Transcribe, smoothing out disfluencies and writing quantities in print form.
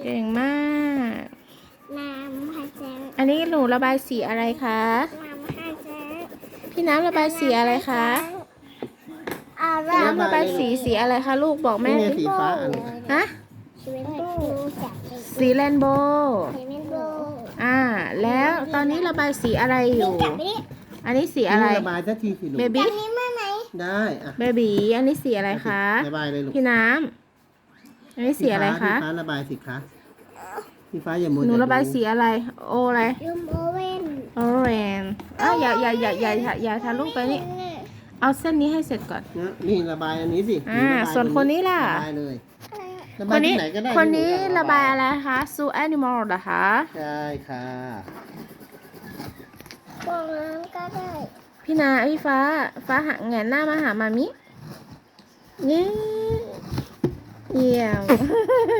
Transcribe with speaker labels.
Speaker 1: เก่งมาก
Speaker 2: น้ำพัชร
Speaker 1: อันนี้หนูระบายสีอะไรคะ
Speaker 2: น้ำพัชร
Speaker 1: พี่น้ำระบายสีอะไรคะ พี่น้ำระบายสีอะไรคะลูกบอกแม่
Speaker 3: นี่ไง
Speaker 1: ดิ
Speaker 3: สีฟ้าอัน
Speaker 1: ฮะ
Speaker 2: ชีวิตดูจาก
Speaker 1: สีเรนโบว์
Speaker 2: ชีวิตดู
Speaker 1: แล้วตอนนี้ระบายสีอะไรอยู่
Speaker 2: จับไปดิ
Speaker 1: อันนี้สีอะไร
Speaker 3: นี่ระบายสักทีสิลูก
Speaker 1: เบ
Speaker 2: จั
Speaker 1: บี้
Speaker 2: บนี้มาไหน
Speaker 3: ได้อ่ะ
Speaker 1: เบบีอันนี้สีอะไรคะ
Speaker 3: ระบายเลยลูก
Speaker 1: พี่น้ำอันนี้สีอะไรคะ
Speaker 3: พี่ฟ้าระบายสิคะพี่ฟ้าอย่ามัว
Speaker 1: หนู
Speaker 3: แต่
Speaker 1: ระบายสีอะไรโออะไร
Speaker 2: ยูมโอเว่น
Speaker 1: ออเรนอย่าทะลุไปนี่เอาเส้นนี้ให้เสร็จก่อน
Speaker 3: นะนี่ระบายอันนี้สิ
Speaker 1: ส่วนคนนี้ล่ะ
Speaker 3: ระบายเลยระ
Speaker 1: ค
Speaker 3: บาย
Speaker 1: นนี้
Speaker 3: ที่ไหนก็ได้
Speaker 1: คนนี้
Speaker 3: ที่ห
Speaker 1: ระบายอะไรคะซูแอนิมอลเหรอคะ
Speaker 3: ใช่ค่ะ
Speaker 2: พวกนั้นก็ได้
Speaker 1: พี่ฟ้าหักแงนหน้ามาหามามินี่เยี่ยม